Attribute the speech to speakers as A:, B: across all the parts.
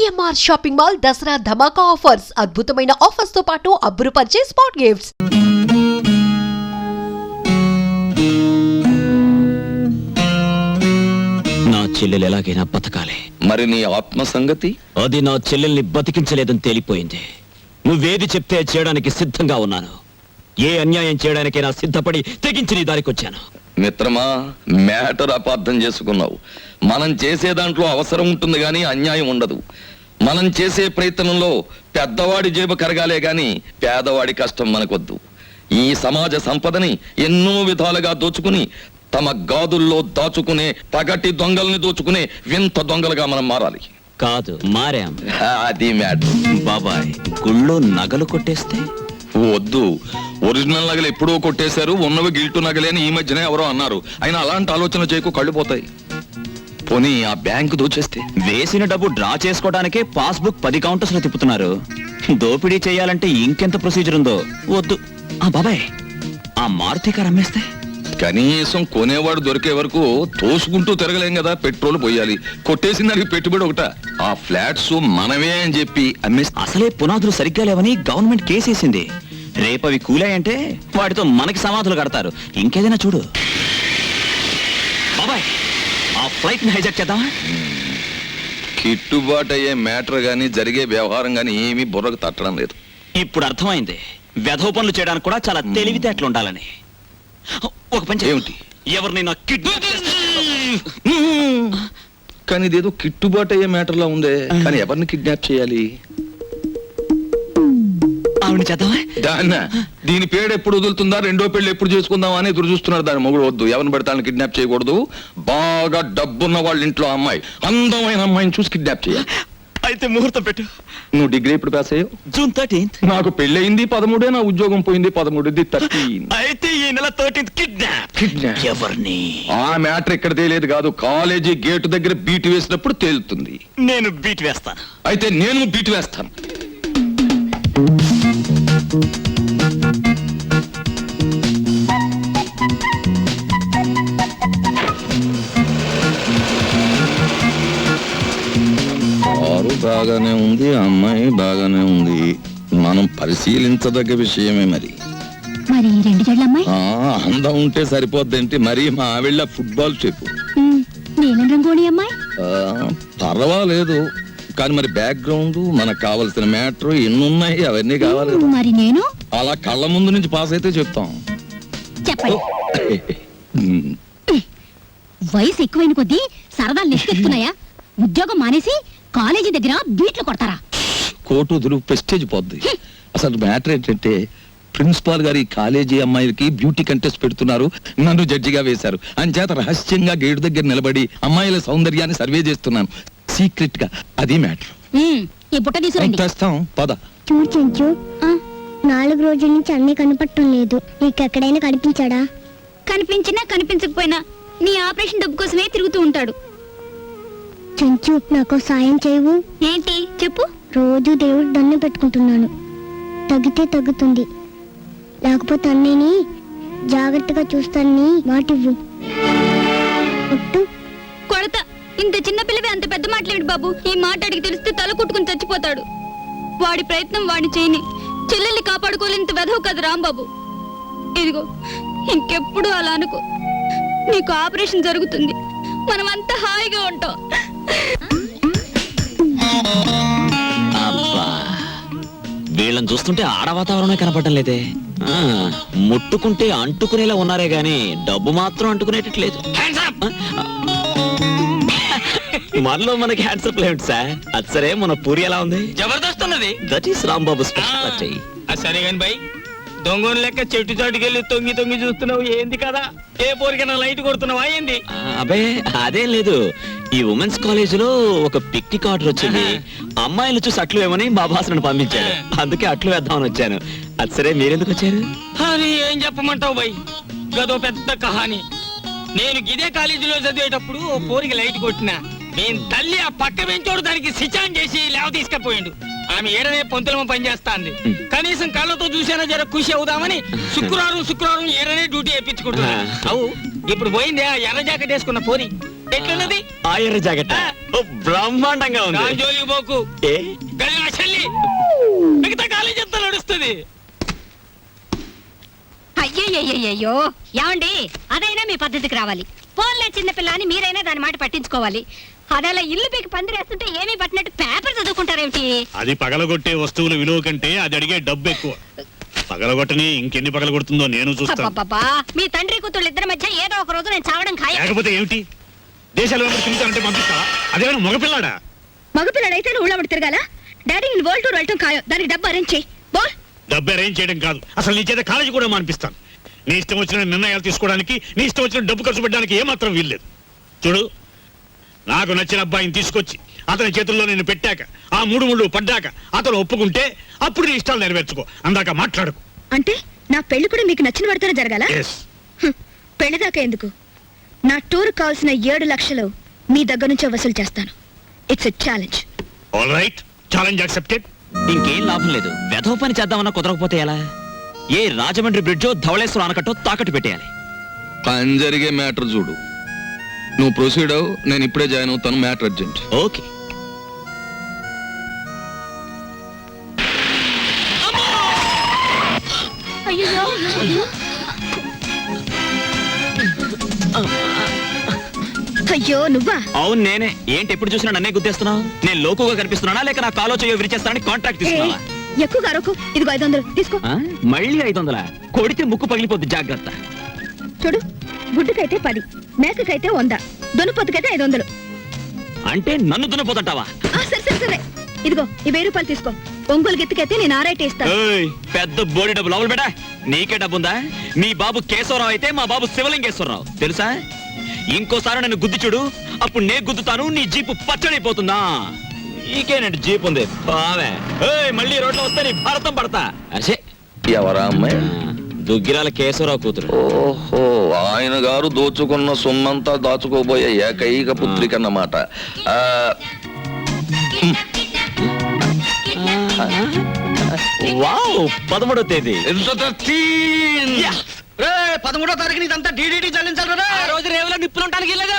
A: CMR shopping mall Dasara ధమాకా offers అద్భుతమైన offers తో పాటు అబ్బురుపరిచే స్పాట్ గిఫ్ట్స్.
B: నా చెల్లెలు ఎలాగైనా బతకాలి.
C: మరి నీ ఆత్మ సంగతి?
B: అది నా చెల్లెల్ని బతికించలేదని తేలిపోయింది. నువ్వేది చెప్తే చేయడానికి సిద్ధంగా ఉన్నాను. ఏ అన్యాయం చేయడానికైనా సిద్ధపడి తెగించి నీ దారికొచ్చాను.
C: మిత్రమా, మ్యాటర్ అపార్థం చేసుకున్నావు. మనం చేసే దాంట్లో అవసరం ఉంటుంది గాని అన్యాయం ఉండదు. మనం చేసే ప్రయత్నంలో పెద్దవాడి జేబు కరగాలే గాని పేదవాడి కష్టం మనకొద్దు. ఈ సమాజ సంపదని ఎన్నో విధాలుగా దోచుకుని తమ గాదుల్లో దాచుకునే పగటి దొంగల్ని దోచుకునే వింత దొంగలుగా మనం మారాలి.
B: కాదు, మారాం.
C: అది మ్యాటర్.
B: బాబాయ్, గుళ్ళో నగలు కొట్టేస్తే
C: వద్దు. ఒరిజినల్ నగలు ఎప్పుడో కొట్టేశారు, ఉన్నవి గిల్టు నగలే అని ఈ మధ్యనే ఎవరో అన్నారు. అయినా అలాంటి ఆలోచన చేయకు, కళ్ళు పోతాయి. పోనీ ఆ బ్యాంకు దోచేస్తే?
B: వేసిన డబ్బు డ్రా చేసుకోవడానికే పాస్బుక్ 10 కౌంటర్స్ లో తిప్పుతున్నారు. దోపిడీ చేయాలంటే ఇంకెంత ప్రొసీజర్ ఉందో. వద్దు. బాబాయ్, ఆ మారుతి కారు అమ్మేస్తే?
C: కనీసం కొనేవాడు దొరికే వరకు తోసుకుంటూ తిరగలేం కదా. పెట్రోల్ పోయాలి. కొట్టేసిన దానికి పెట్టుబడి ఒకట. ఆ ఫ్లాట్స్ మనమే అని చెప్పి అమ్మేస్తే?
B: అసలే పునాదులు సరిగ్గా లేవని గవర్నమెంట్ కేసేసింది. రేపవి కూలాయంటే వాటితో మనకి సమాధులు కడతారు. ఇంకేదైనా చూడు. బాబాయ్, ఆ ఫ్లైట్ ని హైజాక్ చేద్దామా?
C: కిట్టుబాటు అయ్యే మ్యాటర్ గాని జరిగే వ్యవహారం గాని ఏమీ బుర్రకు తట్టడం లేదు.
B: ఇప్పుడు అర్థమైంది వెధవ పనులు చేయడానికి కూడా చాలా తెలివితేటలు ఉండాలని. ఒక పని
C: ఏమిటి?
B: ఎవరినైనా కిడ్నాప్
C: కానీ ఇదేదో కిట్టుబాటు అయ్యే మ్యాటర్ లా ఉందే. కానీ ఎవరిని కిడ్నాప్ చేయాలి?
B: ఆవిడ చేద్దామా?
C: దాన్న దీని పేరు ఎప్పుడు వదులుతుందా, రెండో పెళ్లి ఎప్పుడు చేసుకుందామా అని ఎదురు చూస్తున్నారు. దాని మొగుడు వద్దు, ఎవరిని పడతాను కిడ్నాప్ చేయకూడదు. బాగా డబ్బున్న వాళ్ళ ఇంట్లో అమ్మాయి, అందమైన అమ్మాయిని చూసి కిడ్నాప్ చేయాలి.
B: అయితే ముహూర్తం పెట్టు.
C: నువ్వు డిగ్రీ ఎప్పుడు పాస్ అయ్యావు?
B: June 13th.
C: నాకు పెళ్ళయింది 13, నా ఉద్యోగం పోయింది 13. 13.
B: అయితే ఈ నెల 13th కిడ్నాప్. ఎవరిని?
C: ఆ మ్యాటర్ ఇక్కడ తేలేదు కాదు, కాలేజీ గేటు దగ్గర బీట్ వేసినప్పుడు తేలుతుంది.
B: నేను బీట్ వేస్తాను.
C: అయితే నేను బీట్ వేస్తాను. కారు బాగానే ఉంది, అమ్మాయి బాగానే ఉంది. మనం పరిశీలించదగ్గ విషయమే. మరి
D: మరి 2 జడ్ల అమ్మాయి
C: అందం ఉంటే సరిపోద్దేంటి? మరి మా ఆవిళ్ళ ఫుట్బాల్ చెప్పు.
D: నీలం రంగోళి అమ్మాయి
C: పర్వాలేదు, కానీ మరి బ్యాక్గ్రౌండ్, మనకు కావాల్సిన మ్యాటర్ ఎన్నున్నాయి, అవన్నీ కావాలి.
D: మరి నేను
C: అలా కళ్ళ ముందు నుంచి పాస్ అయితే చెప్తాం.
D: చెప్పండి. వయసు ఎక్కువైన కొద్దీ సరదాలు నెక్కెత్తున్నాయా? ఉద్యోగం మానేసి కాలేజీ దగ్గర బీట్లు కొడతారా?
C: కోటు దురు ప్రెస్టేజ్ పోద్ది. అసలు మ్యాటర్ ఏంటంటే, ప్రిన్సిపాల్ గారు ఈ కాలేజీ అమ్మాయిలకి బ్యూటీ కంటెస్ట్ పెడుతున్నారు, నన్ను జడ్జిగా వేశారు. అంచేత రహస్యంగా గేటు దగ్గర నిలబడి అమ్మాయిల సౌందర్యాన్ని సర్వే చేస్తున్నాను, సీక్రెట్ గా. అది మ్యాటర్.
D: ఈ బుట్ట తీసుకురండి.
C: తెస్తాం, పద.
E: చూడు చెంచు, 4 రోజుల నుంచి అన్నీ కనపడటం లేదు. నీకెక్కడైనా కనిపించాడా?
D: కనిపించినా కనిపించకపోయినా నీ ఆపరేషన్ డబ్బు కోసమే తిరుగుతూ ఉంటాడు.
E: చెంచు, నాకు సాయం చేయవు?
D: ఏంటి చెప్పు.
E: రోజు దేవుడు దండం పెట్టుకుంటున్నాను, తగ్గితే తగ్గుతుంది, లేకపోతే అన్నయ్యని జాగ్రత్తగా చూస్తానని మాటివ్వు. ఒట్టు.
D: కొడత. ఇంత చిన్న పిల్లవి అంత పెద్ద మాట్లాడు బాబు. ఈ మాట అడిగి తెలిస్తే తల కుట్టుకుని చచ్చిపోతాడు. వాడి ప్రయత్నం వాడి చేయని. చెల్లెల్ని కాపాడుకోలేంత వెధవు కదా రాంబాబు. ఇదిగో, ఇంకెప్పుడు అలా అనుకో. నీకు ఆపరేషన్ జరుగుతుంది, మనమంతా హాయిగా ఉంటాం.
B: అబ్బా, వీళ్ళని చూస్తుంటే ఆడ వాతావరణమే కనపడటం లేదే. ముట్టుకుంటే అంటుకునేలా ఉన్నారే గాని డబ్బు మాత్రం అంటుకునేటట్లేదు. మనలో మనకి హ్యాండ్సప్ లేదు సార్. అది సరే, మన పూరి ఎలా ఉంది?
F: జబర్దస్త్ ఉన్నది.
B: That is Rambabu special.
F: సరే గాని బై, దొంగని లెక్క చెట్టు చాటుకెళ్ళి తొంగి తొంగి చూస్తున్నావు ఏంది కదా? ఏ పోరికైనా లైట్ కొడుతున్నావా ఏంది?
B: అబే అదేం లేదు. ఈ ఉమెన్స్ కాలేజ్ లో ఒక పిక్నిక్ ఆర్డర్ వచ్చింది. అమ్మాయిలు చూసి అట్లు వేమని మా బాసను పంపించారు. అందుకే అట్లు వేద్దామని వచ్చాను. అది సరే, మీరెందుకు వచ్చారు?
F: అది ఏం చెప్పమంటావు బై, గదో పెద్ద కహాని. నేను గిదే కాలేజీలో చదివేటప్పుడు ఓ పోరికి లైట్ కొట్టినా. నేను తల్లి ఆ పక్క బెంచోడు దానికి సిచాన్ చేసి లేవ తీసుకపోయిండు. ఆమె ఏడనే పొంతులమ పనిచేస్తాంది. కనీసం కళ్ళతో చూసేనా జర ఖుషి అవుదామని శుక్రవారం ఏడనే డ్యూటీ వేయించుకుంటున్నా. అవు ఇప్పుడు పోయిందే ఆ ఎర్ర జాకెట్ వేసుకున్న పోరి. ఎట్లున్నది
B: ఆ ఎర్ర జాకెట్ బ్రహ్మాండంగా ఉంది
F: దాని జోలికి పోకు
B: ఏ
F: గది నా చెల్లి మిగతా కాలేజ్ అంతా నడుస్తుంది
G: అయ్యయ్యో ఏమండి అదైనా మీ పద్ధతికి రావాలి పోన్లే చిన్నపిల్ల అని మీరైనా దాని మాట పట్టించుకోవాలి అదలా ఇల్లు పీకి పందిరేస్తుంటే ఏమీ పట్టినట్టు పేపర్ చదువుకుంటారేమిటి
H: అది పగలగొట్టే వస్తువుల విలువ కంటే అది అడిగే డబ్బు ఎక్కువ పగలగొట్టని ఇంకెన్ని పగలగొడుతుందో నేను చూస్తాను
G: అబ్బబ్బబ్బా, మీ తండ్రి కూతుళ్ళు ఇద్దరి మధ్య ఏదో ఒక రోజు నేను చావడం ఖాయం
H: లేకపోతే ఏమిటి దేశాలు తిరుగుతానంటే పంపిస్తా అదేమైనా మగపిల్లాడా
G: మగపిల్లడైతే నువ్వు ఊళ్ళో తిరగాల డాడీ నేను వరల్డ్ టూర్ వెళ్ళటం ఖాయం దానికి డబ్బు అరేంజ్ చేయి బోల్
H: డబ్బు అరేంజ్ చేయడం కాదు అసలు నీ చేత కాలేజీ కూడా మానిపిస్తాను నీ ఇష్టం వచ్చిన నిర్ణయాలు తీసుకోవడానికి నీ ఇష్టం వచ్చిన డబ్బు ఖర్చు పెట్టడానికి ఏమాత్రం వీల్లేదు చూడు నాకు నచ్చిన అబ్బాయిని తీసుకొచ్చి అతని చేతుల్లో నేను పెట్టాక ఆ మూడు ముళ్ళు పడ్డాక అతను ఒప్పుకుంటే అప్పుడు నీ ఇష్టాలు నెరవేర్చుకో అందాక మాట్లాడుకు
G: అంటే నా పెళ్లి కూడా మీకు నచ్చిన పడితేనే జరగాల
H: ఎస్
G: పెళ్లిదాకా ఎందుకు నా టూర్ కావాల్సిన 7 లక్షలు మీ దగ్గర నుంచే వసూలు చేస్తాను it's a challenge
H: all right challenge accepted
B: ఇంకేం లాభం లేదు వెధవ పని చేద్దామన్నా కుదరకపోతే ఎలా ఏ రాజమండ్రి బ్రిడ్జో ధవళేశ్వరం ఆనకట్టో తాకట్టు పెట్టేయాలి
C: పని జరిగే మ్యాటర్ చూడు నువ్వు ప్రొసీడ్ అవు నేను ఇప్పుడే జాయిన్ అవుతాను మ్యాటర్ అర్జెంట్
B: ఓకే
G: అయ్యో నువ్వా
B: అవును నేనే ఏంటి ఎప్పుడు చూసినా నన్నే గుద్దేస్తున్నావు నేను లోకుగా కనిపిస్తున్నానా లేక నా కాలో చేయో విరిచేస్తానని కాంట్రాక్ట్ తీసుకున్నావా
G: ఎక్కువ అరకు ఇదిగో 500 తీసుకో
B: ఆ? మళ్ళీ 500 కొడితే ముక్కు పగిలిపోద్ది జాగ్రత్త
G: చూడు గుడ్డుకైతే 10 మేకకైతే 100 దొనుపొత్తుకైతే 500
B: అంటే నన్ను దున్నపోతుంటావా
G: సరే సరే సరే ఇదిగో ఈ 1000 రూపాయలు తీసుకో ఒంగోలు గిత్తకైతే నేను ఆరైతే ఇస్తాను
B: ఏయ్, పెద్ద బోడి డబ్బు లోపల బేటా నీకే డబ్బుందా మీ బాబు కేశవరావు అయితే మా బాబు శివలింగేశ్వరరావు తెలుసా ఇంకోసారి నన్ను గుద్ది చూడు అప్పుడు నే గుద్దుతాను నీ జీపు పచ్చడైపోతుందా నీకేనండి జీప్ ఉంది బావే ఏయ్, మళ్ళీ రోడ్లో వస్తే నీ భారతం పడతా అసే
C: ఎవరా అమ్మాయి
B: దుగ్గిరాల కేశవరావు కూతురు
C: ఓహో ఆయన గారు దోచుకున్న సొమ్మంతా దాచుకోబోయే ఏకైక పుత్రిక అన్నమాట ఆ,
B: వావ్ 13వ తేదీ
C: యా.
F: 13వ తారీఖు ఇదంతా డీడీటీ చెల్లించాలి ఆ రోజు రేవులో నిప్పులు ఉంటానికి లేదు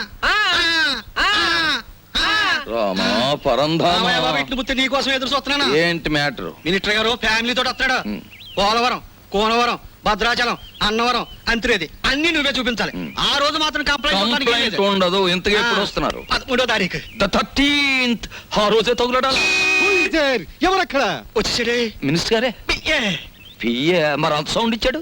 C: రామా పరంధామా
F: ఇట్లు ముత్తి నీ కోసం ఎదురు చూస్తున్నాను
C: ఏంటి మ్యాటర్
F: మినిస్టర్ గారు ఫ్యామిలీ తోటి వస్తాడు
C: ఉం.
F: పోలవరం కోనవరం భద్రాచలం అన్నవరం అంత్రేది అన్ని నువ్వే చూపించాలి ఆ రోజు మాత్రం
C: కంప్లైంట్ ఉండదు ఇంతగా ఎప్పుడు వస్తున్నారు
F: 13వ తారీఖు
C: ద 13th ఆ రోజే తగులడాలి
F: ఎవరక్కడ వచ్చేసాడే
C: మినిస్టర్ గారే పిఏ మరి అంత సౌండ్ ఇచ్చాడు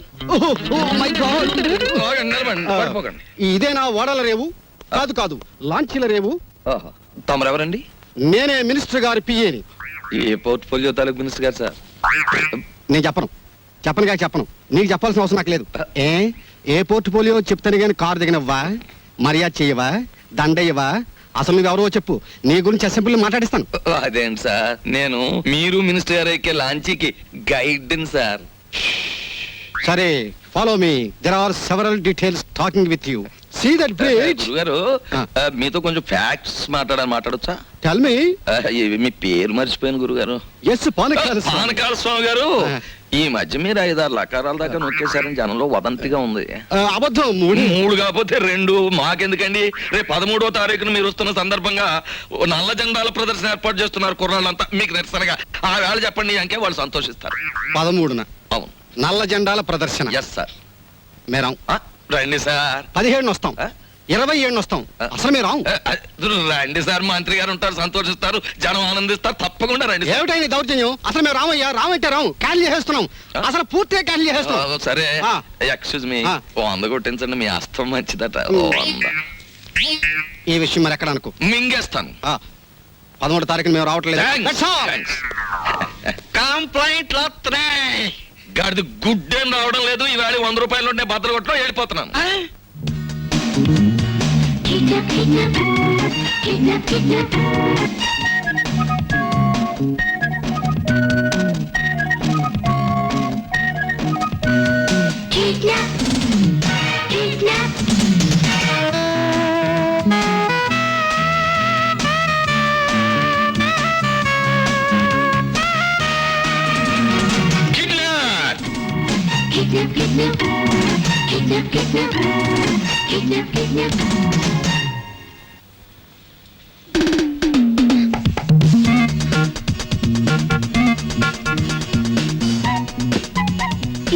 C: ఆగండి, నిలబడండి, పడిపోకండి.
I: ఇదేనా ఓడల రేవు కాదు కాదు లాంచీల రేవు
C: ఆహా. తమరెవరండి
I: నేనే మినిస్టర్ గారి పిఏని
C: ఏ పోర్ట్ఫోలియో తాలూకు మినిస్టర్ గారు సార్
I: నేను చెప్పను నీకు చెప్పాల్సిన అవసరం నాకు లేదు ఏ పోర్ట్ఫోలియో చెప్తాను కానీ కారు దిగనవ్వా మర్యాద చెయ్యవా దండయ్యవా అసలు నువ్వెవరో చెప్పు నీ గురించి అసెంబ్లీ మాట్లాడిస్తాను
C: అదేంటి సార్ నేను మీరు మినిస్టర్ గారు ఎక్కే లాంచీకి గైడ్ సార్
I: సరే follow me there are several details talking with you see that place
C: గురుగారు మీతో కొంచెం ఫ్యాక్ట్స్ మాట్లాడచ్చా
I: టెల్ మీ
C: మీ పేరు మర్చిపోయాను గురుగారు
I: ఎస్ పానకాల
C: పానకాల స్వామి గారు ఈ మధ్య మీరు 5-6 లకారాల దాకా నొక్కేశారని జనంలో వదంతిగా ఉంది
I: అబద్ధం
C: మూడు కాకపోతే 2 మాకెందుకండి రేపు 13వ తారీఖున మీరు వస్తున్న సందర్భంగా ఓ నల్ల జెండాల ప్రదర్శన ఏర్పాటు చేస్తున్నారు కుర్రాళ్ళంతా మీకు నిరసనగా ఆ వేళ చెప్పండి అంకే వాళ్ళు సంతోషిస్తారు
I: 13న
C: అవును
I: నల్ల జెండాల ప్రదర్శన
C: ఎస్ సార్
I: మేరాం
C: రండి సార్
I: 17 వస్తాం 27 వస్తాం అసలు మీరు
C: రండి సార్ మంత్రి గారు ఉంటారు సంతోషిస్తారు జనం ఆనందిస్తారు తప్పకుండా రండి సార్.
I: ఏమిటైంది దౌర్జన్యం అసలు మేము రామంటే రాము క్యాన్సిల్ చేసేస్తున్నాం అసలు పూర్తిగా క్యాన్సిల్ చేసేస్తున్నాం
C: సరే
I: ఆ.
C: ఎక్స్క్యూజ్ మీ
I: ఆ.
C: ఓ 100 కొట్టించండి మీ అస్తం మంచిదట ఓ 100
I: ఈ విషయం మరి ఎక్కడ అనుకో
C: మింగేస్తాను
I: 13 తారీఖున మేము రావట్లేదు
C: Thanks. Thanks.
F: కంప్లైంట్ వస్తున్నాయి
C: గాడిది గుడ్డేం రావడం లేదు ఈవేళ 100 రూపాయలు ఉంటే బద్దలు కొట్టడం వెళ్ళిపోతున్నాను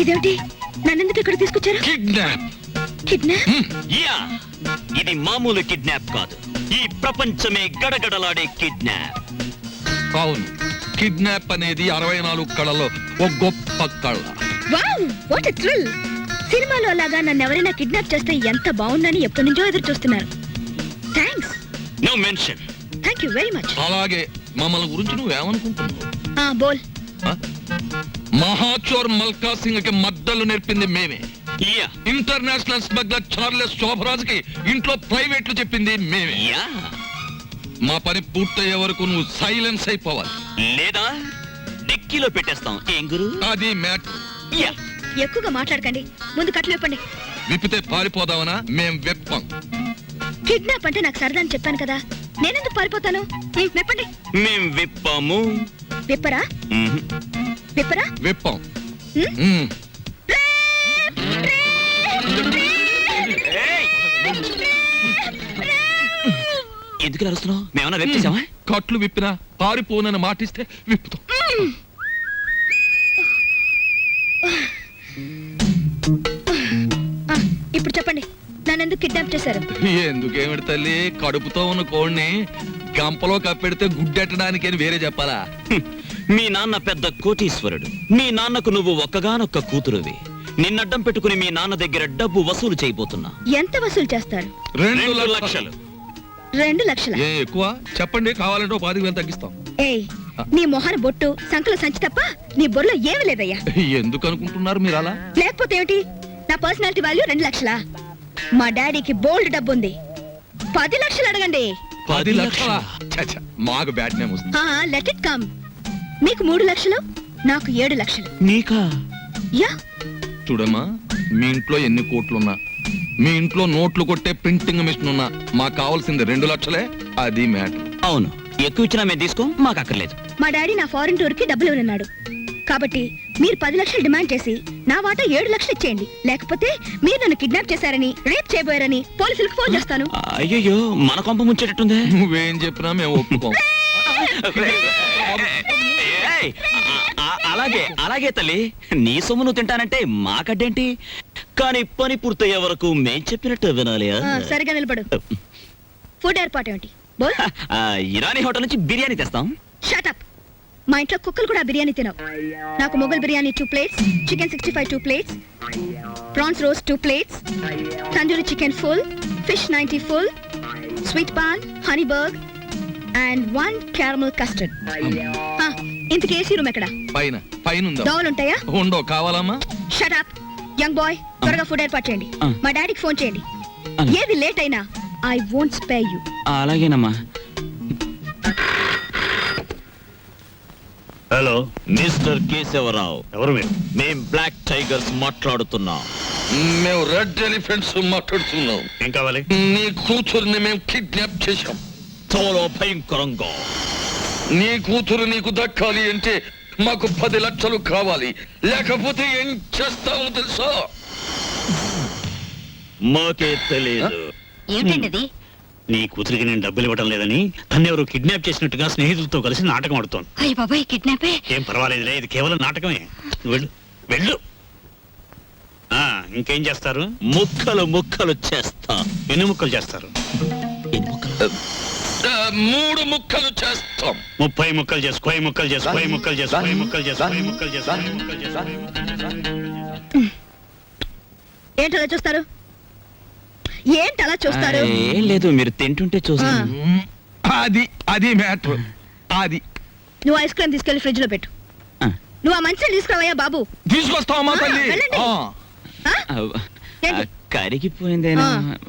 D: ఇదేమిటి నన్నెందుకు ఇక్కడ తీసుకొచ్చారు?
C: కిడ్నాప్.
D: కిడ్నాప్?
B: యా ఇది మామూలు కిడ్నాప్ కాదు, ఈ ప్రపంచమే గడగడలాడే కిడ్నాప్.
C: అవును, కిడ్నాప్ అనేది 64 కళలో ఒక గొప్ప కళ.
D: Wow what a thrill. సినిమాలో లాగా నన్ను ఎవరైనా కిడ్నాప్ చేస్తే ఎంత బాగుందని ఎప్పటి నుంచో ఎదురు చూస్తున్నారు. Thanks.
B: No mention.
D: Thank you very much.
C: అలాగే మమ్మల్ని గురించి నువ్వేమనుకుంటున్నావు?
D: బోల్.
C: మహాచోర్ మల్కా సింగ్ కి మద్దలు నేర్పింది మేమే.
B: Yeah
C: international smuggler Charles Sobhraj కి ఇంట్లో ప్రైవేట్లు చెప్పింది మేమే.
B: యా
C: మా పని పూర్తయ్యే వరకు నువ్వు సైలెన్స్ అయిపోవాలి,
B: లేదా డిక్కీలో పెట్టేస్తాం. ఏం గురు?
C: అది మ్యాటర్.
B: యా
D: ఎక్కువగా మాట్లాడకండి, ముందు కట్లు విప్పండి.
C: విప్పితే పారిపోదామనా? మేం వెప్పం.
D: కిడ్నాప్ అంటే నాకు సరదా అని చెప్పాను కదా, నేనెందుకు పారిపోతాను? విప్పండి.
B: మేం విప్పాము.
D: విప్పరా? విప్పరా?
C: వెప్పం.
B: ఏయ్! ఎందుకు అరుస్తున్నావు? మేమన్నా వెప్పేసామా?
C: కట్లు విప్పినా పారిపోనని మాటిస్తే విప్పుతాం.
D: ఇప్పుడు చెప్పండి, నన్నెందుకు కిడ్నాప్ చేశారు?
C: ఎందుకేమిటి తల్లి, కడుపుతో ఉన్న కోడిని గంపలో కప్పెడితే గుడ్డెట్టడానికి అని వేరే చెప్పాలా?
B: మీ నాన్న పెద్ద కోటీశ్వరుడు, మీ నాన్నకు నువ్వు ఒక్కగానొక్క కూతురువి. నిన్నడ్డం పెట్టుకుని మీ నాన్న దగ్గర డబ్బు వసూలు చేయబోతున్నా.
D: ఎంత వసూలు చేస్తారు?
C: 2
B: లక్షలు.
D: 2 లక్షల?
C: ఏ ఎక్కువ చెప్పండి, కావాలంటే 10,000 తగ్గిస్తాం.
D: ఏయ్, నీ మొహన బొట్టు సంకల సంచి తప్ప నీ బొర్రలో ఏమీ లేదయ్యా.
C: ఎందుకు అనుకుంటున్నారు మీరు అలా?
D: లేకపోతే ఏమిటి? నా పర్సనాలిటీ వాల్యూ 2 లక్షలా? మా డాడీకి బోల్డ్ డబ్బు ఉంది, 10 లక్షలు అడగండి.
C: 10 లక్షలా? ఛ, మాకు బ్యాడ్ నేమ్ వస్తుంది.
D: Let it come. మీకు 3 లక్షలు, నాకు 7 లక్షలు.
B: నీకా?
D: యా.
C: చూడమ్మా, మీ ఇంట్లో ఎన్ని కోట్లున్నా, మీ ఇంట్లో నోట్లు కొట్టే ప్రింటింగ్ మిషన్ ఉన్నా, మాకు కావాల్సింది 2 లక్షలే. అది మ్యాటర్.
B: అవును, ఎక్కువ ఇచ్చినా మేము తీసుకో, మాకు అక్కర్లేదు.
D: మా డాడీ నా ఫారెన్ టూర్ కి డబ్బులు ఇవ్వనున్నాడు, కాబట్టి మీరు 10 లక్షలు డిమాండ్ చేసి నా వాటా 7 లక్షలు ఇచ్చేయండి. లేకపోతే మీరు నన్ను కిడ్నాప్ చేశారని, రేప్ చేయబోయారని పోలీసులకు ఫోన్ చేస్తాను.
B: అయ్యో, మన కొంప ముంచేటట్టుందే.
C: నువ్వేం చెప్పినా మేము ఒప్పుకోం.
B: ఏయ్, అలాగే అలాగే తల్లి, నీ సొమ్ము నువ్వు తింటానంటే మాకడ్డేంటి? కానీ పని పూర్తయ్యే వరకు మేం చెప్పినట్టు వినాలి.
D: సరిగా నిలబడు. ఫుడ్ ఏర్పాటు ఏమిటి? బోల్.
B: ఇరానీ హోటల్ నుంచి బిర్యానీ తెస్తాం.
D: Shut up. మా ఇంట్లో కుక్కలు కూడా బిర్యానీ తినవు. నాకు Mughal biryani 2 plates, chicken 65 2 plates, prawns roast 2 plates, tandoori chicken full, fish 90 full, sweet paan, honey burg and 1 caramel custard. ఇంతకీ ఏసీ రూమ్ ఎక్కడ?
C: పైన పైన ఉందా?
D: దోవలు ఉంటాయా?
C: ఉండో, కావాలమ్మా?
D: షట్ అప్ యంగ్ బాయ్, త్వరగా ఫుడ్ ఏర్పాటు చేయండి. మా డాడీకి ఫోన్ చేయండి. ఏది లేట్ అయినా ఐ వోంట్ స్పేర్ యు.
B: అలాగేనమ్మా.
H: Hello,
B: mister Keshavarao.
H: ఎవరు మీరు?
B: మేం బ్లాక్ టైగర్స్ మాట్లాడుతున్నాం.
C: మేము రెడ్ ఎలిఫెంట్స్ మాట్లాడుతున్నాం.
H: ఏం కావాలి?
C: నీ కూతురుని మేము కిడ్నాప్ చేశాం.
B: చాలా భయంకరంగా.
C: నీ కూతురు నీకు దక్కాలి అంటే మాకు 10 లక్షలు కావాలి, లేకపోతే ఏం చేస్తామో తెలుసా?
B: మాకే తెలియదు.
G: ఏమిటండి అది?
H: నీ కూతురికి నేను డబ్బులు ఇవ్వడం లేదని తన్ని ఎవరు కిడ్నాప్ చేసినట్టుగా స్నేహితులతో కలిసి నాటకం ఆడుతోంది.
G: అయ్య బాబాయ్, కిడ్నాపే?
H: ఏం పర్వాలేదులే, ఇది కేవలం నాటకమే. నువ్వు వెళ్ళు, వెళ్ళు. ఇంకేం చేస్తారు?
B: ముక్కలు ముక్కలు చేస్తా.
H: ఎన్ని ముక్కలు చేస్తారు?
C: 3 ముక్కలు చేస్తాం.
H: 30 ముక్కలు చేసు, 10 ముక్కలు చేసు, 10 ముక్కలు చేసు, 10 ముక్కలు చేసు, 10 ముక్కలు చేసు, 10 ముక్కలు చేసు.
D: ఏంటలా చూస్తారు? ఏంటలా చూస్తారు?
B: ఏం లేదు, మీరు తింటుంటే చూస్తాను.
C: అది అది మ్యాటర్. అది
D: నువ్వు ఐస్ క్రీమ్ తీసుకెళ్లి ఫ్రిడ్జ్ లో పెట్టు. నువ్వు ఆ మంచిని తీసుకురావయ్యా బాబు.
C: తీసుకొస్తావమ్మా తల్లి.
D: వెళ్ళండి. ఏంటి?
B: కరిగిపోయిందేనా?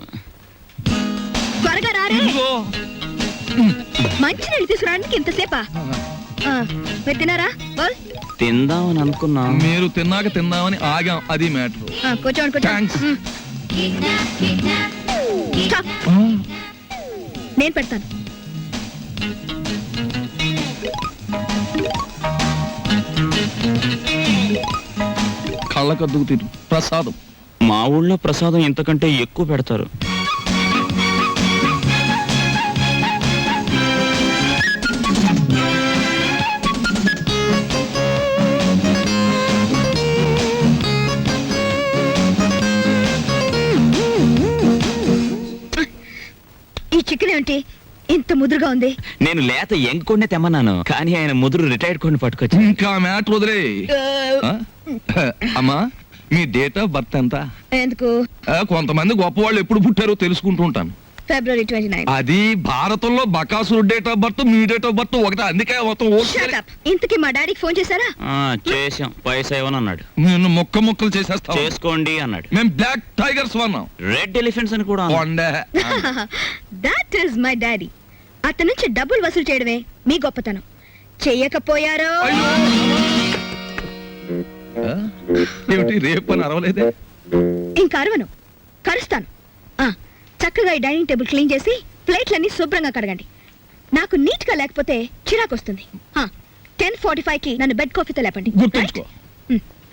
D: త్వరగా రారే.
C: ఇదిగో.
D: మంచి నీళ్ళు తీసుకురావడానికి ఇంతసేపా? మీరు తిన్నారా? బోల్.
B: తిందామని అనుకున్నా.
C: మీరు తిన్నాక తిందామని ఆగాం. అది మ్యాటర్.
D: కూర్చోండి
C: Thanks.
D: Stop. నేను పెడతాను.
C: కళ్ళకద్దుకు తిరు ప్రసాదం.
B: మా ఊళ్ళో ప్రసాదం ఇంతకంటే ఎక్కువ పెడతారు.
J: చికెన్ ఏమిటి ఇంత ముదురుగా ఉంది?
B: నేను లేత యంగ్ కొండే తెమ్మన్నాను కానీ ఆయన ముదురు రిటైర్డ్ కొండి పట్టుకొచ్చి
C: ఇంకా మ్యాటర్ వదిలే అమ్మా మీ డేట్ ఆఫ్ బర్త్ ఎంత?
J: ఎందుకు?
C: కొంతమంది గొప్పవాళ్ళు ఎప్పుడు పుట్టారో తెలుసుకుంటూ ఉంటాను.
J: ఫిబ్రవరి 29.
C: అది భారతంలో బకాసురు డేట్ ఆఫ్ బర్త్ మీ డేట్ ఆఫ్ బర్త్ ఒకటే, అందుకే మొత్తం
J: Shut up. ఇంతకీ మా డాడీకి ఫోన్ చేశారా?
B: చేసాం పైసా ఇవ్వను అన్నాడు.
C: నేను ముక్కలు చేసేస్తా.
B: చేసుకోండి అన్నాడు.
C: మేము బ్లాక్ టైగర్స్ వన్నాం.
B: రెడ్ ఎలిఫెంట్స్ అని కూడా అన్నాడు.
J: That is my daddy. అతని నుంచి డబ్బులు వసూలు చేయడమే మీ గొప్పతనం. చెయ్యకపోయారో
C: ఏమిటి రేపు అని అరవలేదే?
J: ఇంకా అరవను, కరుస్తాను. చక్కగా ఈ డైనింగ్ టేబుల్ క్లీన్ చేసి ప్లేట్లన్నీ శుభ్రంగా కడగండి. నాకు నీట్ గా లేకపోతే చిరాకు వస్తుంది. 10:45కి నన్ను బెడ్ కాఫీతో లేపండి.
C: గుర్తుంచుకో.
J: Right?